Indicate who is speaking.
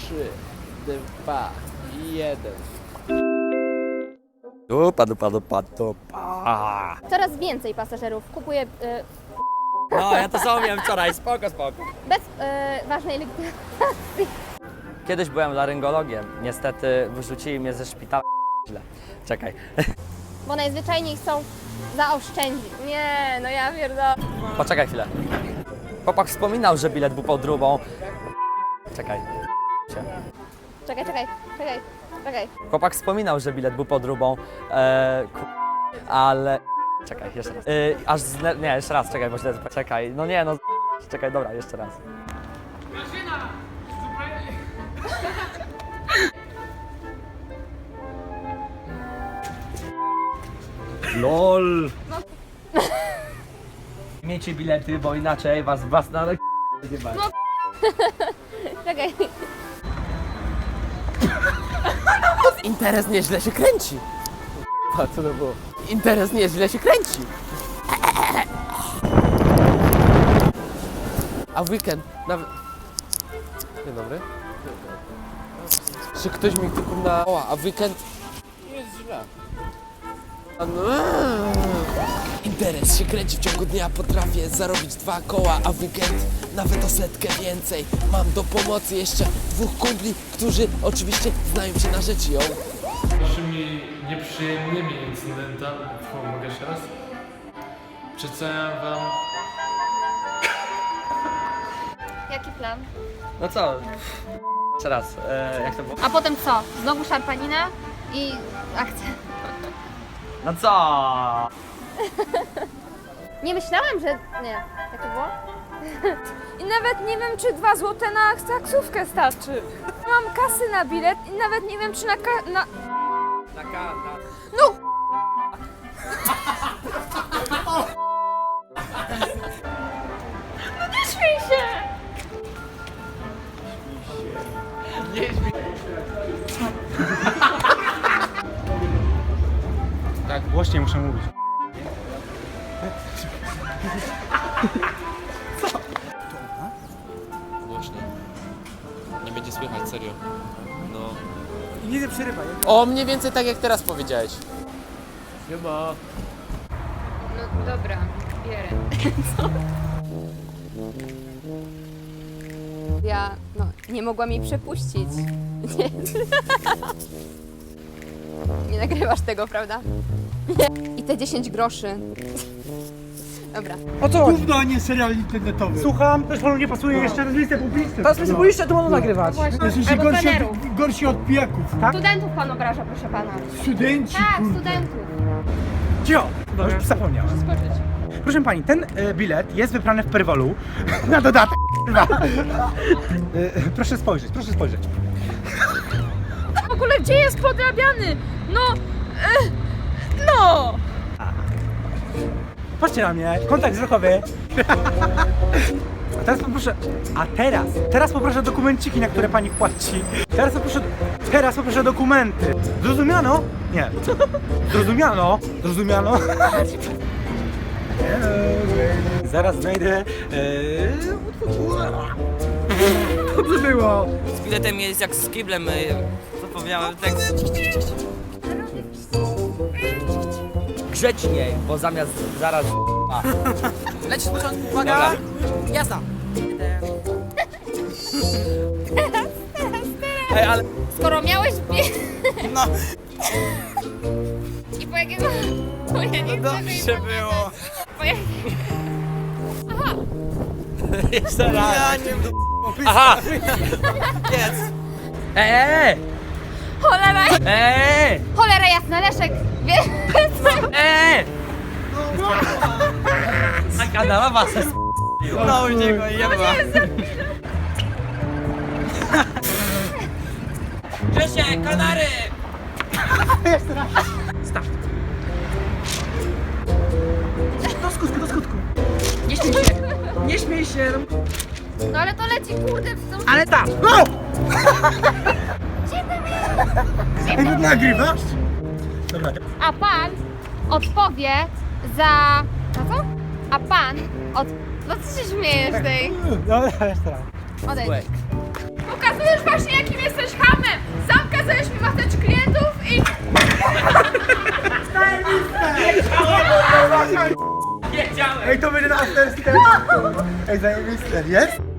Speaker 1: 3, 2, 1.
Speaker 2: Dupa.
Speaker 3: Coraz więcej pasażerów kupuje
Speaker 2: No, ja to samo miałem wczoraj, spoko.
Speaker 3: bez ważnej legitymacji.
Speaker 2: Kiedyś byłem laryngologiem, niestety wyrzucili mnie ze szpitala. Źle. Czekaj.
Speaker 3: Bo najzwyczajniej chcą zaoszczędzić. Nie, no ja pierdolę.
Speaker 2: Poczekaj chwilę. Chłopak wspominał, że bilet był podróbą. Czekaj.
Speaker 3: Czekaj.
Speaker 2: Chłopak wspominał, że bilet był podróbą, ale... Czekaj, jeszcze raz. Nie, jeszcze raz, czekaj, bo źle... Czekaj, no nie, no... Czekaj, dobra, jeszcze raz. LOL! Miejcie bilety, bo inaczej was na... nie ma.
Speaker 3: Czekaj.
Speaker 1: Interes nieźle się kręci. A co to było? Interes nieźle się kręci. A w weekend nawet... Dzień dobry. Czy ktoś mi tylko na... O, a w weekend... Jest źle. Interes się kręci w ciągu dnia, potrafię zarobić 2 koła, a w weekend nawet o 100 więcej. Mam do pomocy jeszcze 2 kumpli, którzy oczywiście znają się na rzeczy, ją.
Speaker 4: Naszymi nieprzyjemnymi incydentami, mogę jeszcze raz? Przedstawiam wam
Speaker 3: Jaki plan?
Speaker 2: No co? Jeszcze raz, jak to było?
Speaker 3: A potem co? Znowu szarpanina i akcja.
Speaker 2: No co?
Speaker 3: Nie myślałam, że... Nie. Jak to było?
Speaker 5: I nawet nie wiem, czy 2 złote na taksówkę starczy. Mam kasy na bilet i nawet nie wiem, czy na No! No nie śmiej się!
Speaker 6: Tak, głośniej muszę mówić.
Speaker 7: Głośniej. Nie będzie słychać, serio. No.
Speaker 6: I nie przerywaj.
Speaker 1: O, mniej więcej tak jak teraz powiedziałeś.
Speaker 4: chyba
Speaker 5: No dobra, bierę. Ja, nie mogłam jej przepuścić. Nie. Nie nagrywasz tego, prawda? I te 10 groszy. Dobra.
Speaker 6: O co chodzi?
Speaker 8: Gówno, a nie serial internetowy.
Speaker 6: Słucham, też panu nie pasuje jeszcze na listę publiczną.
Speaker 8: Teraz
Speaker 6: listę publiczną to można nagrywać.
Speaker 8: Jesteście
Speaker 3: Albo
Speaker 8: gorsi od pijaków.
Speaker 3: Studentów pan obraża, proszę pana.
Speaker 8: Studenci,
Speaker 3: Tak,
Speaker 8: kurde.
Speaker 3: studentów.
Speaker 6: Cio! No już zapomniałem. Proszę pani, ten bilet jest wybrany w Perwolu. Na dodatek. Proszę spojrzeć, proszę spojrzeć.
Speaker 5: W ogóle gdzie jest podrabiany? No!
Speaker 6: Patrzcie na mnie, kontakt wzrokowy. Teraz poproszę dokumenciki, na które pani płaci. Teraz poproszę dokumenty. Zrozumiano? Nie. Zrozumiano? Zrozumiano? Zaraz znajdę... Co to było?
Speaker 2: Z biletem jest jak z kiblem, zapomniałem tekst. Grzeczniej, bo zamiast zaraz... Leć z początku, uwaga! Jazda! Ej, ale...
Speaker 3: Skoro miałeś
Speaker 2: No,
Speaker 3: I po jakiego... Bo ja nie chcę
Speaker 2: dobrze było.
Speaker 3: Po jak...
Speaker 2: Jeszcze raz. Aha! Jest!
Speaker 3: Cholera!
Speaker 2: Eee!
Speaker 3: Cholera jasna, Leszek! Wiesz?
Speaker 2: A kanała se no u niego jeba. Grzesie, kanary!
Speaker 6: Do skutku. Nie śmiej się. Nie śmiej się.
Speaker 3: No ale to leci, kurde, w tą...
Speaker 6: Ale tak. No! Ej, no nagrywasz? Dobra.
Speaker 3: A pan odpowie za... Na co? A pan No co się śmiejesz tej?
Speaker 6: Dobra, jeszcze raz.
Speaker 3: Odejdź. Pokazujesz właśnie jaki
Speaker 6: Ej, to będzie na afterski. Ej, zajebiste. Jest?